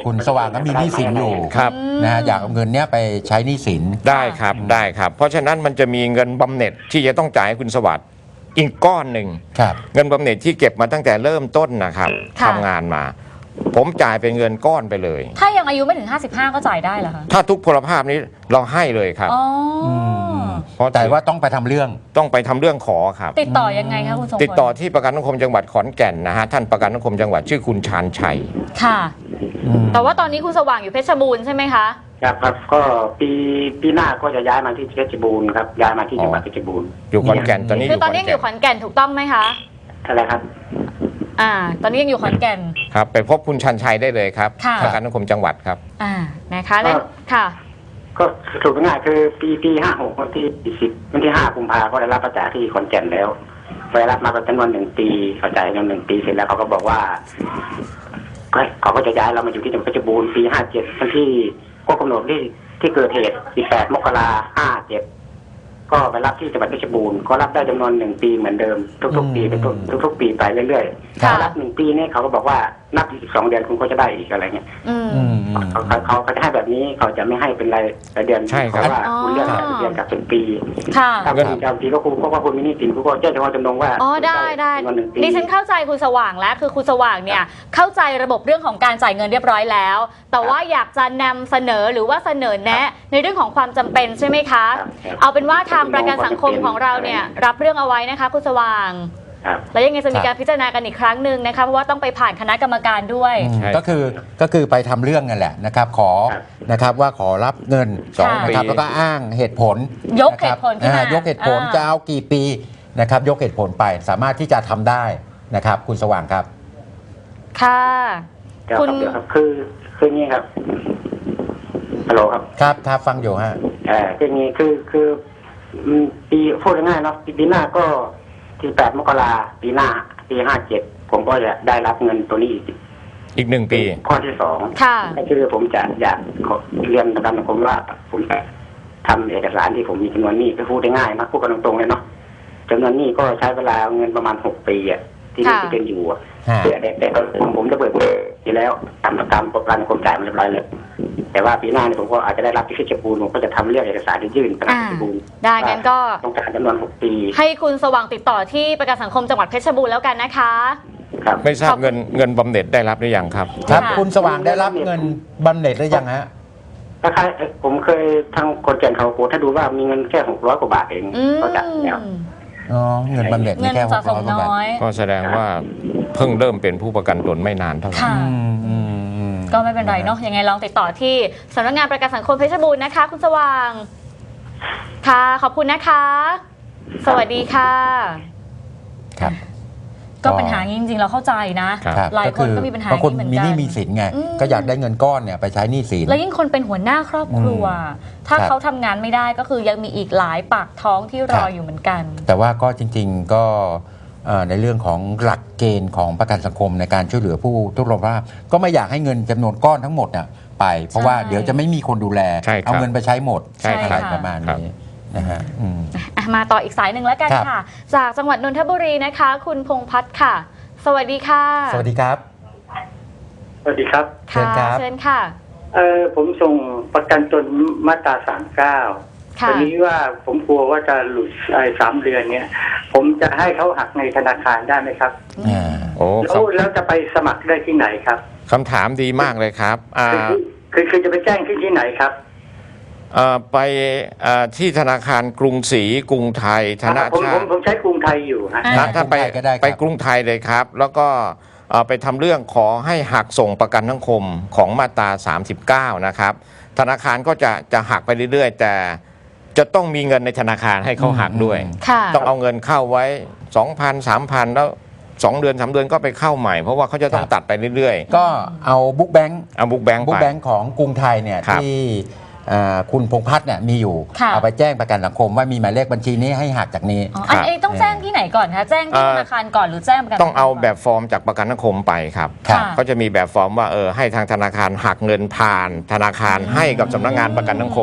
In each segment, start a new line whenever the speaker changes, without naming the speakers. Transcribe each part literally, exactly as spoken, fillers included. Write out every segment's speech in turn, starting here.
คุณสว่างก็มีหนี้สินอยู่
ครับ
นะฮะอยากเอาเงินเนี้ยไปใช้หนี้สิน
ได้ครับได้ครับ เพราะฉะนั้นมันจะมีเงินบำเหน็จที่จะต้องจ่ายให้คุณสวัสดิ์อีกก้อนหนึ่ง
ครับ
เงินบำเหน็จที่เก็บมาตั้งแต่เริ่มต้นนะครับ
ค่ะ
ทำงานมา ผมจ่ายเป็นเงินก้อนไปเลย
ถ้ายังอายุไม่ถึงห้าสิบห้าก็จ่ายได้เหรอคะ
ถ้าทุกพลภาพนี้เราให้เลยครับ
อ๋ออ
ม
เพราะ
แต่ว่าต้องไปทำเรื่อง
ต้องไปทำเรื่องขอครับ
ติดต่อยังไงคะคุณทรงพล
ติดต่อที่ประกันสังคมจังหวัดขอนแก่นนะฮะท่านประกันสังคมจังหวัดชื่อคุณชาญชัย
ค่ะ
อืม
แต่ว่าตอนนี้คุณสว่างอยู่เพชรบูรณ์ใช่ไหมคะ
ครับครับก็ปีปีหน้าก็จะย้ายมาที่เพชรบูรณ์ครับย้ายมาที่จังหวัดเพชรบูรณ์
อยู่ขอนแก่นตอนนี้
คือตอนนี้ยังอยู่ขอนแก่นถูกต้องไหมคะ
อะไรครับ
อ่า ตอนนี้ยังอยู่ขอนแก่น
ครับไปพบคุณชันชัยได้เลยครับ
ค่ะ
ประกันสังคมจังหวัดครับ
อ่า นะคะแล้วค่ะ
ก็สรุปง่ายๆคือปีปีห้าหกวันที่สิบวันที่ห้ากุมภาก็ได้รับประจาที่ขอนแก่นแล้วไปรับมาเป็นจำนวนหนึ่งปีเขาจ่ายจำนวนหนึ่งปีเสร็จแล้วเขาก็บอกว่าก็เขาก็จะย้ายเรามาอยู่ที่จังหวัดเพชรบูรณ์ปีห้าเจ็ดวันที่ก็กำหนดที่ที่เกิดเหตุสิบแปดมกราห้าเจ็ดก็ไปรับที่จังหวัดเพชรบูรณ์ก็รับได้จำนวนหนึ่งปีเหมือนเดิมทุกๆปีไปทุกทุกๆปีไปเรื่อยๆ
ค่ะ
ถ้ารับหนึ่งปีนี่เขาก็บอกว่านับอีกสิบสองเดือนคุณก็จะได้อีกอะไรเงี้ย
อืม
อืมอืม
เขาเขาเขาเขาจะให้แบบนี้เขาจะไม่ให้เป็นรายรายเดือน
ใช่ครับ
เพราะว่า
อ๋อ
คุณเลือกรายเดือนกับเป็นปี
ค่ะ
ถ้าเป็นจำปีก็คุณก็ว่าคุณมีหนี้สินคุณก็แจ้งเฉพาะจำนงว่า
อ๋อ ได้ได้
จำนวนหนึ่งปี
ดิฉันเข้าใจคุณสว่างแล้ว คือคุณสว่างเนี่ย เข้าใจระบบเรื่องของการจ่ายเงินเรียบร้อยแล้ว แต่ว่าอยากจะนำเสนอหรือว่าเสนอแนะ ในเรื่องของความจำเป็นใช่ไหมคะ
ครับครับ
เอาเป็นว่าทางประกันสังคมของเราเนี่ยรับเรื่องเอาไว้นะคะ คุณสว่าง
ครับ
แล้วยังไงจะมีการพิจารณากันอีกครั้งหนึ่งนะคะ เพราะว่าต้องไปผ่านคณะกรรมการด้วย
อืม
ใช่
ก็คือก็คือไปทำเรื่องนั่นแหละนะครับขอ
ครับ
นะครับว่าขอรับเงิน
สอง
นะครับ
ปี
แล้วก็อ้างเหตุผล
ยกเหตุผลขึ้นมา
อ่ายกเหตุผล
อ่า
จะเอากี่ปีนะครับยกเหตุผลไปสามารถที่จะทำได้นะครับคุณสว่างครับ
ค่ะ
เดี๋ยว
คุ
ค
ณ
รับเดี๋ยวครับคือคืออย่างนี้ครับฮัลโหลครับ
ครับครับฟังอยู่ฮะ
เออคืออย่างนี้คือคืออืมปีพูดง่ายๆเนาะปีปีหน้าก็ที่แปดมกราปีหน้าปีห้าเจ็ดผมก็จะได้รับเงินตัวนี้อีก
อีกหนึ่งปี
ข้อที่สอง
ค่ะ
ก็คือผมจะอยากขอเรียนประกันสังคมว่าผมจะทำเอกสารที่ผมมีจำนวนหนี้ก็พูดได้ง่ายนะพูดกันตรงๆเลยเนาะจำนวนหนี้ก็ใช้เวลาเงินประมาณหกปีอะที่
ค่ะ
ที่เป็นอยู่อะ
ฮะ
แต่แต่แต่ผมผมจะเบิกทีแล้วทำประกันประกันสังคมจ่ายมาเรียบร้อยเลยแต่ว่าปีหน้าเนี่ยผมก็อาจจะได้รับที่เพชรบูรณ์ผมก็จะทำเรื่องเอกสารที่ยื่นประกัน
อ่า
เพชรบูรณ์
ได้งั้นก็
ต้องการจำนวนหกปี
ให้คุณสว่างติดต่อที่ประกันสังคมจังหวัดเพชรบูรณ์แล้วกันนะคะ
ครับ
ไม่ทรา
ข
บ
อบคุณ
เงินเงินบำเหน็จได้รับหรือยังครับ
ครับ
ค่ะ
คุณสว่างได้รับเงินบำเหน็จหรือยังฮะ
คล้ายๆผมเคยทางคนแก่นเขาโกถ้าดูว่ามีเงินแค่หกร้อยกว่าบาทเอง
อืม
ก็จ่ายแล้ว
อ๋อเงินบำเหน็จ
เงิ
มี
น
แค่ห
สะ
ก
ส
ร้อ
ม
ยกว่าบาท
น้อย
ก็แสดงว่าเพิ่งเริ่มเป็นผู้ประกันตนไม่นานเท่าไหร่
ค่ะ
อืมอืมอืม
ก็ไม่เป็นไรเนาะยังไงลองติดต่อที่สำนักงานประกันสังคมเพชรบูรณ์นะคะ คุณสว่าง ค่ะ ขอบคุณนะคะ สวัสดีค่ะ
ครับ
ก็ปัญหานี้จริงๆเราเข้าใจนะ
ครับ
ครับ
หลายคนก็มีปัญหา
บางคน
นี้เหมือนกัน
มีหนี้มีสินไง
อืม
ก็อยากได้เงินก้อนเนี่ยไปใช้หนี้สิน
แล้วยิ่งคนเป็นหัวหน้าครอบครัว ถ้า
ครับ
เขาทำงานไม่ได้ก็คือยังมีอีกหลายปากท้องที่ร
ครั
อบ อยู่เหมือนกัน
แต่ว่าก็จริงๆก็เอ่อในเรื่องของหลักเกณฑ์ของประกันสังคมในการช่วยเหลือผู้ทุกข์ร้อนภาพก็ไม่อยากให้เงินจำนวนก้อนทั้งหมดน่ะไป เพราะว่า
ใช่
เดี๋ยวจะไม่มีคนดูแล
ใช่ครับ
เอาเงินไปใช้หมด
ใช่ครับ
อะไรประมาณนี้นะฮะอืม
อ่ะมาต่ออีกสายหนึ่งแล้วกัน
ครับ
ค่ะ จากจังหวัดนนทบุรีนะคะ คุณพงษ์พัฒน์ค่ะ สวัสดีค่ะ
สวัสดีครับ
สวัสดีครับ
เชิญครับ
เชิญค่ะ
เออผมส่งประกันตนมาตราสามเก้า
ค่ะ
วันนี้ว่าผมกลัวว่าจะหลุดไอ้สามเดือนเนี่ย ผมจะให้เขาหักในธนาคารได้ไหมครับ
อ่า
โอ้
แล้วแล้วจะไปสมัครได้ที่ไหนครับ
คำถามดีมากเลยครับอ่า
คือคือคือจะไปแจ้งที่ที่ไหนครับ
เอ่อไปเอ่อที่ธนาคารกรุงศรีกรุงไทยธนา
ผม
ชา
ผม
ติ
ผมใช้กรุงไทยอยู่ฮะ
อ่า
นะถ้าไป
กรุงไทยก็ได้ครับ
ไปกรุงไทยเลยครับ แล้วก็เอ่อไปทำเรื่องขอให้หักส่งประกันสังคมของมาตราสามสิบเก้านะครับธนาคารก็จะจะหักไปเรื่อยๆ แต่จะต้องมีเงินในธนาคารให้เขาหักด้วย
ค่ะ
ต้องเอาเงินเข้าไว้ สองพัน สามพัน แล้วสองเดือนสามเดือนก็ไปเข้าใหม่ เพราะว่าเขาจะต้องตัดไปเรื่อย
ก็เอาบุ๊กแบงค์
ๆเอาบุ๊กแบงค์
บุ๊
ไป
กแบงค์ของกรุงไทยเนี่ย
ครับ
ที่อ่าคุณพงษ์พัฒน์เนี่ยมีอยู่
ค่ะ
เอาไปแจ้งประกันสังคมว่ามีหมายเลขบัญชีนี้ให้หักจากนี้
อ๋ออันนี้ต้องแจ้งที่ไหนก่อนคะ แจ้งที่ธนาคารก่อนหรือแจ้งประกัน
ต้องเอา
สัคมก่น
แบบฟอร์มจากประกันสังคมไปครับ
ครับ
ค่ะ
เขาจะมีแบบฟอร์มว่าเออให้ทางธนาคารหักเงินผ่านธนาคารให้กับสำนักงานประกันสังคม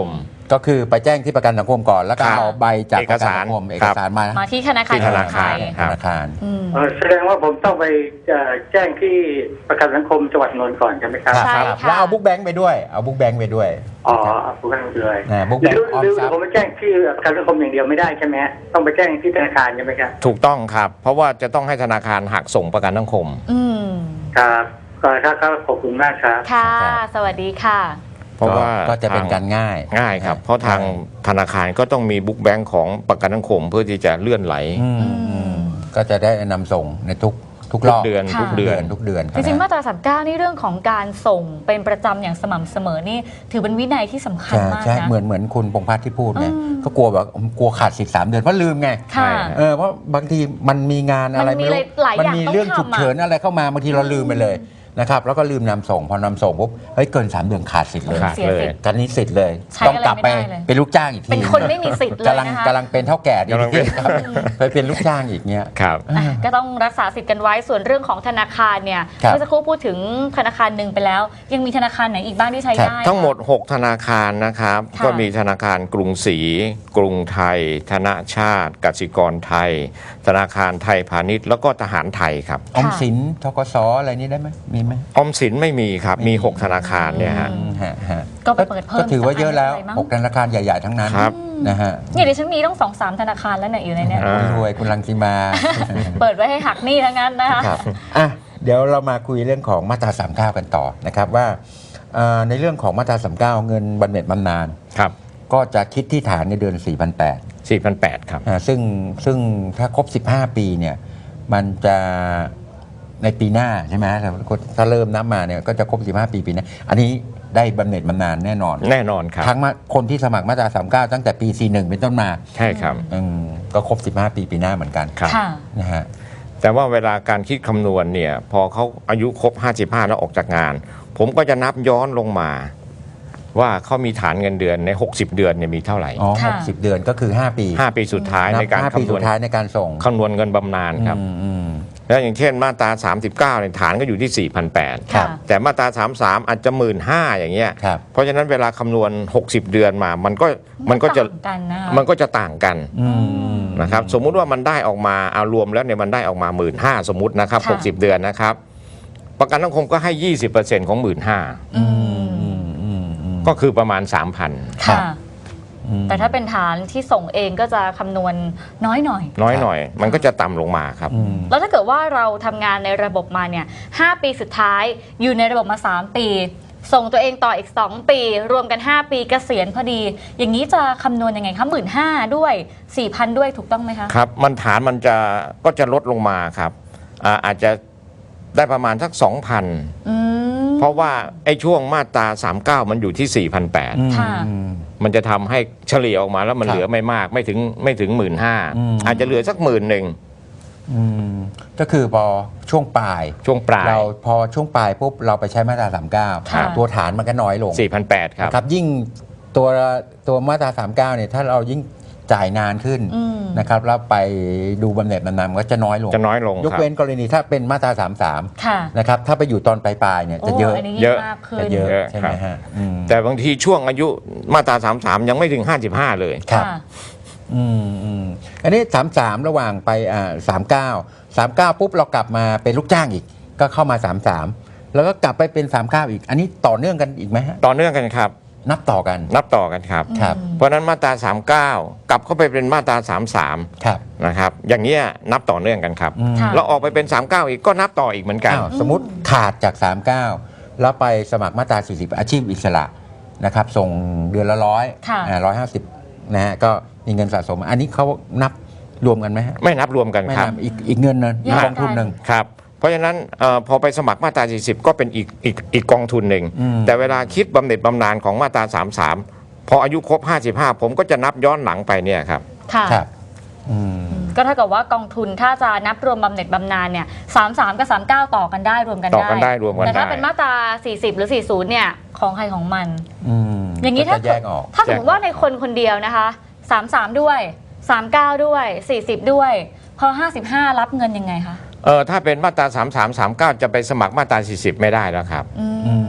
ก็คือไปแจ้งที่ประกันสังคมก่อนแล้วก็
ครับ
เอาใบจาก
เอ
ป
ก
ระกัน
สาร
สังคมเอ
ค
ก
รับ
สารมา
มาที่ธนาคาร
ที่ธนาคาร
ไทย
ครับ
ธนาคาร
อืม
เออแสดงว่าผมต้องไปเอ่อแจ้งที่ประกันสังคมจังหวัดนนท์ก่อนใช่ไหมครับ
ใช่
ครับ
ค่ะ
แล้วเอาบุ๊กแบงค์ไปด้วยเอาบุ๊กแบงค์ไปด้วย
อ๋อผู้กันเลย
นะบุ๊ก
ห
แบ
รื
ง
อ
ค์ออม
หรือ
ทรัพ
ผม
ย์
ไปแจ้งที่ประกันสังคมอย่างเดียวไม่ได้ใช่ไหมต้องไปแจ้งที่ธนาคารใช่ไหมครับ
ถูกต้องครับ เพราะว่าจะต้องให้ธนาคารหักส่งประกันสังคม
อืม
ครับก็ครับครับขอบคุณมากครับ
ค่ะ
ครับ
สวัสดีค่ะ
เพราะว่า
ก็จะเป็นการง่าย
ง่ายครับ เพราะทางธนาคารก็ต้องมีบุ๊กแบงค์ของประกันสังคมเพื่อที่จะเลื่อนไหล
อืมอืมก็จะได้นำส่งในทุกทุกร
ทุ
อก บ
เดือน
ค่ะ
ทุกเดือน
ทุกเดือน
จริงๆมาตราสามเก้านี่เรื่องของการส่งเป็นประจำอย่างสม่ำเสมอนี่ถือเป็นวินัยที่สำคัญ
ใช่
มาก
ใช่
นะ
เหมือนเหมือนคุณพงษ์พัฒน์ที่พูดไง
อืม
ก็กลัวแบบกลัวขาดสิทธิ์สามเดือนเพราะลืมไง
ค่ะ
เออเพราะบางทีมันมีงานอะไร
มันมี
ไม่รู้
หลาย
มั
อย่าง
มี
ต้อง
เรื่อง
ทำ
ฉุกเฉิน
อะ
อะไรเข้ามาบางทีเราลืมไปเลยนะครับแล้วก็ลืมนำส่งพอนำส่งปุ๊บเฮ้ยเกินสามเดือนขาดสิทธิ์เลย
ขาด
เสีย
เลย
สิทธิ์
กันนี้สิทธิ์เลย
ใช้
ต้องกลับไป
อะไรไม่ได้เลย
เป็นลูกจ้างอีกที
เป็นคนไม่มีสิทธิ์เลย
กำลัง
นะคะ
กำลังเป็นเท่าแก่ดี
กำลังเป็น
ครับไปเป็นลูกจ้างอีกเนี้ย
ครับ
อ่ะก็ต้องรักษาสิทธิ์กันไว้ส่วนเรื่องของธนาคารเนี่ย
ครับ
เมื่อสักครู่พูดถึงธนาคารหนึ่งไปแล้ว ยังมีธนาคารไหนอีกบ้างที่ใช้
ครับ
ได้
ทั้งหมด
คะ
หก ธนาคารนะครับ
ค่ะ
ก็มีธนาคารกรุงศรีกรุงไทย ธนชาติกสิกรไทย ธนาคารไทยพาณิชย์แล้วก็ทหารไทยครับ
ออมสินธกสอะไรนี้ได้ไหมมีไหม
ออมสินไม่มีครับ มี หก ธนาคารเนี่ยฮะ
อืมฮะฮะ
ก็ไปเปิดเพิ่ม
ก็ถือว่าเยอะแล้ว
สาขาอะไรมั้ง
หกธนาคารใหญ่ ๆ ทั้งนั้น
ครับ
นะฮะ
เนี่ยเดี๋ยวฉันมีต้องสองสามธนาคารแล้วเนี่ยอยู่ในเนี่ย
อ่า
รวยคุณรังสีมา
เปิดไว้ให้หักหนี้ทั้งนั้นนะคะ
ครับอ่ะเดี๋ยวเรามาคุยเรื่องของมาตราสามเก้ากันต่อนะครับว่าเอ่อในเรื่องของมาตราสามเก้าเงินบำเหน็จบำนาญ
ครับ
ก็จะคิดที่ฐานในเดือน สี่พันแปดร้อย
สี่พันแปดร้อย ครับ
อ่าซึ่งซึ่งถ้าครบ สิบห้า ปีเนี่ยมันจะในปีหน้าใช่ไหมถ้าเริ่มนับมาเนี่ยก็จะครบ สิบห้า ปีปีหน้าอันนี้ได้บำเหน็จบำนาญแน่นอน
แน่นอนครับ
ทั้งมาคนที่สมัครมาตราสามเก้าตั้งแต่ปี สี่สิบเอ็ด เป็นต้นมา
ใช่ครับ
อืมก็ครบ สิบห้า ปีปีหน้าเหมือนกัน
ครับ
ค่ะ
นะฮะ
แต่ว่าเวลาการคิดคำนวณเนี่ยพอเขาอายุครบห้าสิบห้าแล้วออกจากงาน ผมก็จะนับย้อนลงมา ว่าเขามีฐานเงินเดือนใน หกสิบ เดือนเนี่ยมีเท่าไหร่
อ๋อ
ค่ะ
หกสิบเดือนก็คือ ห้า ปี
ห้า ปีสุดท้าย
นับ
ในการ
ห้าปี
คำน
สุ
วณ
ดท้ายในการส่ง
คำนวณเงินบำนาญครับ
อืมอืม
แล้วอย่างเช่นมาตรา สามสิบเก้าเนี่ยฐานก็อยู่ที่ สี่พันแปดร้อย
ครับ
แต่มาตรา สามสิบสาม อาจจะ หนึ่งหมื่นห้าพัน อย่างเงี้ย
ครับ
เพราะฉะนั้นเวลาคำนวณ หกสิบ เดือนมา มันก็มันก็จะ
ต่างกันนะคะ
มันก็จะต่างกัน
อืม
นะครับ สมมุติว่ามันได้ออกมาเอารวมแล้วเนี่ยมันได้ออกมา หนึ่งหมื่นห้าพัน สมมุตินะครับ
ค่ะ
หกสิบ เดือนนะครับ ประกันสังคมก็ให้ ยี่สิบเปอร์เซ็นต์ ของ หนึ่งหมื่นห้าพัน
อืม
อืมอืมอืม
ก็คือประมาณ สามพัน
ค่ะ
อืม
แต่ถ้าเป็นฐานที่ส่งเองก็จะคำนวณน้อยหน่อย
น้อยหน่อย มันก็จะต่ำลงมาครับ
อืม
แล้วถ้าเกิดว่าเราทำงานในระบบมาเนี่ยห้าปีสุดท้ายอยู่ในระบบมาสามปี ส่งตัวเองต่ออีกสองปี รวมกันห้าปีเกษียณพอดี อย่างนี้จะคำนวณยังไงคะหมื่นห้าด้วย สี่พัน ด้วยถูกต้องไหมคะ
ครับ มันฐานมันจะก็จะลดลงมาครับอ่าอาจจะได้ประมาณสัก สองพัน
อืม
เพราะว่าไอ้ช่วงมาตรา สามสิบเก้า มันอยู่ที่ สี่พันแปดร้อย
อืม
ค่ะ
อืม
มันจะทำให้เฉลี่ยออกมาแล้วมัน
ครับ
เหลือไม่มากไม่ถึงไม่ถึง หนึ่งหมื่นห้าพัน
อืม
อาจจะเหลือสักหมื่นหนึ่ง
อืมก็คือพอช่วงปลาย
ช่วงปลาย
เราพอช่วงปลายปุ๊บเราไปใช้มาตราสามเก้า
ค่ะ
ตัวฐานมันก็น้อยลง
สี่พันแปดร้อย ครับ
นะครับยิ่งตัวตัวมาตราสามเก้าเนี่ยถ้าเรายิ่งจ่ายนานขึ้น
อืม
นะครับแล้วไปดูบำเหน็จบำนาญมันก็จะน้อยลง
จะน้อยลง
ยก
ครับ
เว้นกรณีถ้าเป็นมาตราสามสาม
ค่ะ
นะครับถ้าไปอยู่ตอนปลายๆเนี่ยจะ
โอ้
เยอะ
อันนี้
เย
ยิ่ง
อะ
มากขึ้
จะ
น
เยอะ
เยอะ
ใช่ไหม
ครับ
ฮะอืม
แต่บางทีช่วงอายุมาตรา สามสิบสาม ยังไม่ถึง ห้าสิบห้า เลย
ครับ
ค่ะ
อืมอืมอันนี้สามสามระหว่างไปอ่าสามเก้าสามเก้าปุ๊บเรากลับมาเป็นลูกจ้างอีก ก็เข้ามาสามสามแล้วก็กลับไปเป็นสามเก้าอีก อันนี้ต่อเนื่องกันอีกไหมฮะ
ต่อเนื่องกันครับ
นับต่อกัน
นับต่อกันครับ
ครับ
เพราะฉะนั้นมาตรา สามสิบเก้า กลับเข้าไปเป็นมาตรา สามสิบสาม
ครับ
นะครับอย่างเงี้ยนับต่อเนื่องกันครับ
อืม
ค่ะ
แล้วออกไปเป็น สามสิบเก้า อีกก็นับต่ออีกเหมือนกัน
อ้าวสมมติขาดจาก สามสิบเก้า แล้วไปสมัครมาตรา สี่สิบ อาชีพอิสระนะครับส่งเดือนละร้อย
ค่ะ
ร้อยห้าสิบนะฮะก็มีเงินสะสม อันนี้เขานับรวมกันไหมฮะ
ไม่นับรวมกัน
ไม่
ครับ
นับอีกอีกเงินนึง
แยก
กองทุนหนึ่ง
ครับ เพราะฉะนั้นเออพอไปสมัครมาตรา สี่สิบ ก็เป็นอีกอีกอีกกองทุนหนึ่ง
อืม
แต่เวลาคิดบำเหน็จบำนาญของมาตรา สามสิบสาม พออายุครบ ห้าสิบห้า ผมก็จะนับย้อนหลังไปเนี่ยครับ
ค่ะ
ครับอืม
ก็เท่ากับว่ากองทุนถ้าจะนับรวมบำเหน็จบำนาญเนี่ยสามสามกับสามเก้าต่อกันได้รวมกัน
ต่อกันได้รวมกัน
แต่ถ้า
ได้
เป็นมาตราสี่สิบหรือสี่สิบเนี่ยของใครของมัน
อืม
อย่างนี้
ก็
ถ้า
จะแยกออก
ถ้าสมมติว่าในคนคนเดียวนะคะสามสามด้วยสามเก้าด้วยสี่สิบด้วย พอห้าสิบห้ารับเงินยังไงคะ
เออถ้าเป็นมาตรา สามสิบสาม สามสิบเก้า จะไปสมัครมาตรา สี่สิบ ไม่ได้แล้วครับ
อืม
อืม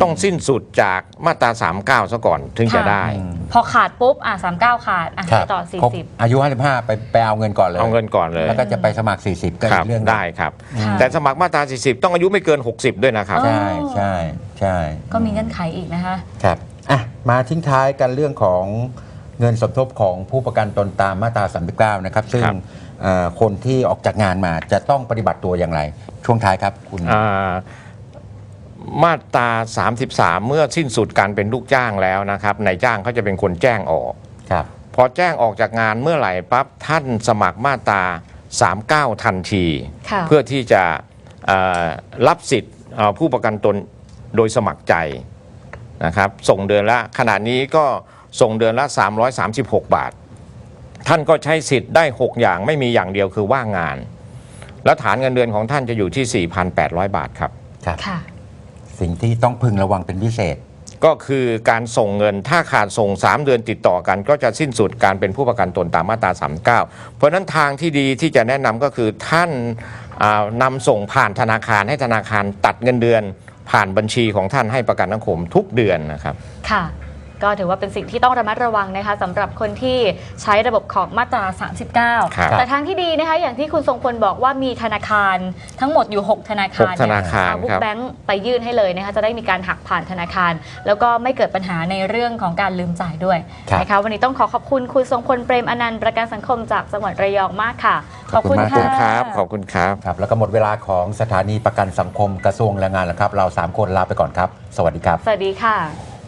ต้องสิ้นสุดจากมาตราสามสิบเก้าซะก่อนถึงจะได้
อืม
พอขาดปุ๊บอ่ะสามเก้าขาดอ่ะ
ครับ
ไปต่อสี่
ครบ
สิบ
อายุห้าสิบห้าไปไปเอาเงินก่อนเลย
เอาเงินก่อนเลย
แล้วก็จะไปสมัครสี่สิบก็
ค
อี
รับ
กเรื่องหนึ่ง
ได้ครับ
ค่ะ
แต่สมัครมาตราสี่สิบต้องอายุไม่เกินหกสิบด้วยนะครับ
อ๋อ
ใช่ใช่ใช่
ก็มีเงื่อนไขอีกนะคะ
ครับอ่ะมาทิ้งท้ายกันเรื่องของเงินสมทบของผู้ประกันตนตามมาตราสามสิบเก้านะครับซึ่ง
ครับ
เอ่อคนที่ออกจากงานมาจะต้องปฏิบัติตัวอย่างไร ช่วงท้ายครับคุณ
อ่ามาตราสามสิบสามเมื่อสิ้นสุดการเป็นลูกจ้างแล้วนะครับนายจ้างเขาจะเป็นคนแจ้งออก
ครับ
พอแจ้งออกจากงานเมื่อไหร่ปั๊บท่านสมัครมาตราสามสิบเก้าทันที
ค่ะ
เพื่อที่จะเอ่อรับสิทธิ์เอ่อผู้ประกันตนโดยสมัครใจนะครับส่งเดือนละขณะนี้ก็ส่งเดือนละสามร้อยสามสิบหกบาท ท่านก็ใช้สิทธิ์ได้หกอย่างไม่มีอย่างเดียวคือว่างงาน แล้วฐานเงินเดือนของท่านจะอยู่ที่ สี่พันแปดร้อย บาทครับ
ครับ
ค่ะ
สิ่งที่ต้องพึงระวังเป็นพิเศษ
ก็คือการส่งเงินถ้าขาดส่งสามเดือนติดต่อกัน ก็จะสิ้นสุดการเป็นผู้ประกันตนตามมาตราสามสิบเก้าเพราะฉะนั้นทางที่ดีที่จะแนะนำก็คือท่านอ่านำส่งผ่านธนาคารให้ธนาคารตัดเงินเดือน ผ่านบัญชีของท่านให้ประกันสังคมทุกเดือนนะครับ
ค่ะ ก็ถือว่าเป็นสิ่งที่ต้องระมัดระวังนะคะสำหรับคนที่ใช้ระบบของมาตรา สามสิบเก้า
ครับ
แต่ทางที่ดีนะคะอย่างที่คุณทรงพลบอกว่ามีธนาคารทั้งหมดอยู่ หก ธนาคาร
หกธนาคาร
เอบุ๊
ครั
ก
บ
แบงค์ไปยื่นให้เลยนะคะจะได้มีการหักผ่านธนาคาร แล้วก็ไม่เกิดปัญหาในเรื่องของการลืมจ่ายด้วย
ครับ
นะคะวันนี้ต้องขอขอบคุณคุณทรงพลเปรมอนันต์ประกันสังคมจากจังหวัดระยองมากค่ะ
ขอบคุณมาก
ขอบคุณครับ ขอบคุณครับ
ครับแล้วก็หมดเวลาของสถานีประกันสังคมกระทรวงแรงงานแล้วครับ เราสามคนลาไปก่อนครับ สวัสดีครับ
สวัสดีค่ะ